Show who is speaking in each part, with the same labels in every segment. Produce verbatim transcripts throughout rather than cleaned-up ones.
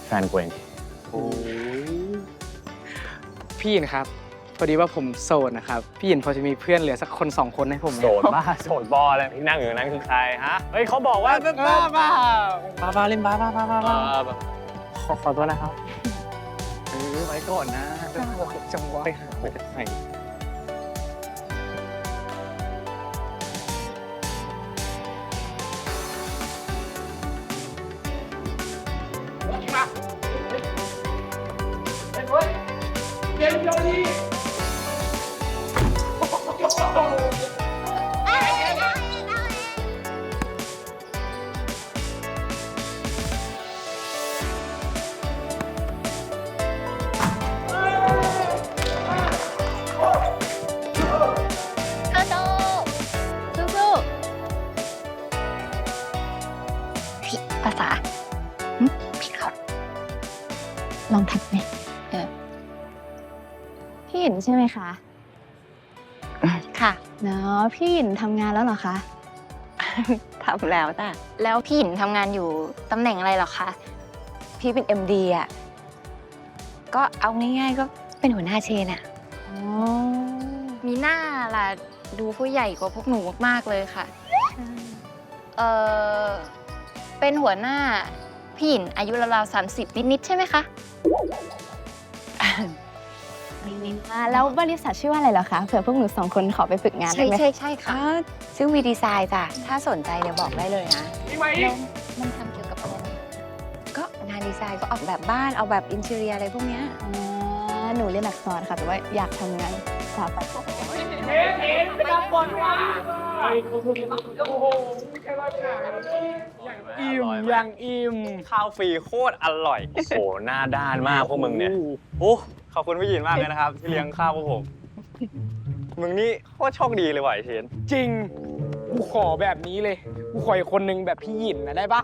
Speaker 1: แฟนกูเอง
Speaker 2: โอ้พี่หยินครับพอดีว่าผมโสดนะครับพี่หยินพอจะมีเพื่อนเหลือสักคนสองคนให้ผมไหม
Speaker 1: โสดบ้าโสดบออะไรที่นั่งอยู่นั้นคือใครฮะเฮ้ยเขาบอกว่า
Speaker 2: บ้าบ้าบ้าบ้าเล่นบ้าบ้าบ้าบ้า
Speaker 1: เอ
Speaker 2: บ้า
Speaker 1: อแบบ
Speaker 2: ขอขอโทษนะครับเออไว้ก่อนนะจังหวะไปหาไปไหน
Speaker 3: เธอโตสู้ๆพี่ภาษาหึพี่เขาลองทักไหมเออพี่หยินใช่ไหมคะ ค่ะเนาะพี่หยินทำงานแล้วเหรอคะ
Speaker 4: ทำแล้วจ้ะ
Speaker 3: แล้วพี่หยินทำงานอยู่ตำแหน่งอะไรเหรอคะ
Speaker 4: พี่เป็น เอ็ม ดี อ่ะ ก็เอาง่ายๆก็เป็นหัวหน้าเชนอ่ะ
Speaker 3: อ๋อ มีหน้าล่ะ ดูผู้ใหญ่กว่าพวกหนูมากๆเลยค่ะ เออเป็นหัวหน้าพี่หยินอายุราวๆสามสิบนิดๆใช่ไหมคะ
Speaker 5: อ่าแล้วบริษัทชื่อว่าอะไรเหรอคะเผื่อพวกหนูสองคนขอไปฝึกงาน
Speaker 4: ใช่
Speaker 5: ได้ไหม
Speaker 4: ใช่ใช่ค่ะชื่อวีดีไซน์จ้ะ ถ้าสนใจเดี๋ยวบอกได้เลยนะ
Speaker 3: แล้วมันทำเกี่ยวกับอะไรนะ
Speaker 4: ก็งานดีไซน์ก็ออกแบบบ้านออกแบบอินเทอร์เนียอะไรพวกเนี้ย
Speaker 5: อ่าหนูเรียนอักษรค่ะแต่ว่าอยากทำงานสถาปัตย์
Speaker 2: อิ่มยังอิ่ม
Speaker 1: ข้าวฟรีโคตรอร่อยโอ้โหหน้าด้านมากพวกมึงเนี่ยโอ้ขอบคุณพี่หยินมากเลยนะครับ ที่เลี้ยงข้าวพวกผมมึงนี่โคตรโชคดีเลยว่ะไอ้เชน
Speaker 2: จริงกูขอแบบนี้เลยกูขออีกคนนึงแบบพี่หยินนะได้ปะ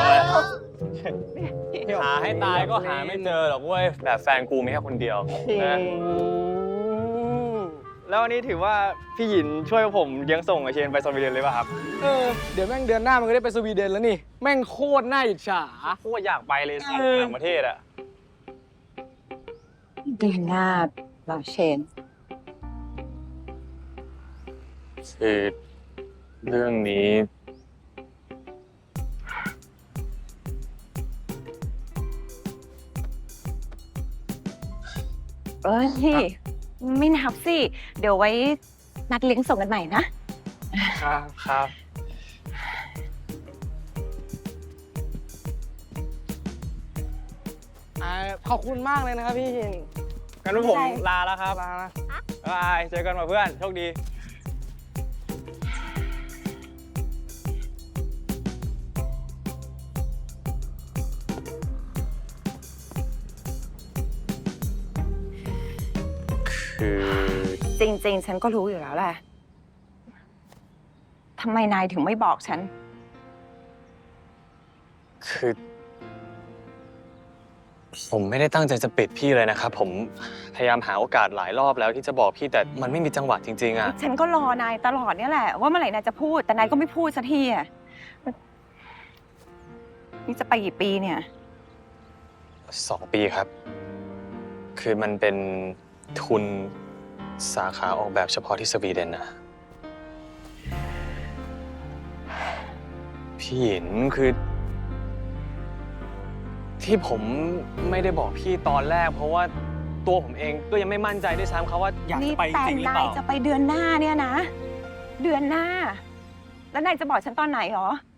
Speaker 1: หาให้ตายก็หาไม่เจอหรอกเว้ยแบบแฟนกูมีแค่คนเดียวนะแล้ววันนี้ถือว่าพี่หยินช่วยผมเลี้ยงส่งไอเชนไปสวีเดนเลยป่ะครับ
Speaker 2: เออเดี๋ยวแม่งเดือนหน้ามันก็ได้ไปสวีเดนแล้วนี่แม่งโคตรน่าอิจฉา
Speaker 1: โคตรอยากไปเลยสิ
Speaker 2: เออ
Speaker 1: ต่างประเทศอะ
Speaker 4: เดือนหน้าเราเชน
Speaker 1: คือเรื่องนี้
Speaker 4: เอ้ยไม่นับสิ เดี๋ยวไว้นัดเลี้ยงส่งกันใหม่นะ
Speaker 2: ครับ
Speaker 1: ครับ
Speaker 2: อ่าขอบคุณมากเลยนะครับพี่หยิน
Speaker 1: งั้นผมลาแล้วครับ
Speaker 2: ลานะ
Speaker 1: บ๊ายบายเจอกันมาเพื่อน โชคดี คือ
Speaker 4: จริงๆ ฉันก็รู้อยู่แล้วแหละทำไมนายถึงไม่บอกฉัน
Speaker 1: คือ ผมไม่ได้ตั้งใจจะปิดพี่เลยนะครับ ผมพยายามหาโอกาสหลายรอบแล้วที่จะบอกพี่แต่มันไม่มีจังหวะจริงๆอะ
Speaker 4: ฉันก็รอนายตลอดเนี่ยแหละ ว่าเมื่อไหร่นายจะพูด แต่นายก็ไม่พูดสักทีอ่ะนี่จะไปกี่ปีเนี่ย
Speaker 1: สองปีครับ คือมันเป็นทุนสาขาออกแบบเฉพาะที่สวีเดนนะพี่หยินคือ ที่ผมไม่ได้บอกพี่ตอนแรก เพราะว่าตัวผมเองก็ยังไม่มั่นใจด้วยซ้ำครับว่าอยาก
Speaker 4: นี่
Speaker 1: จะไปจ
Speaker 4: แต่
Speaker 1: ริงหรือเป
Speaker 4: นาย
Speaker 1: ล่า
Speaker 4: จะไปเดือนหน้าเนี่ยนะ เดือนหน้า แล้วนายจะบอกฉันตอนไหนหรอ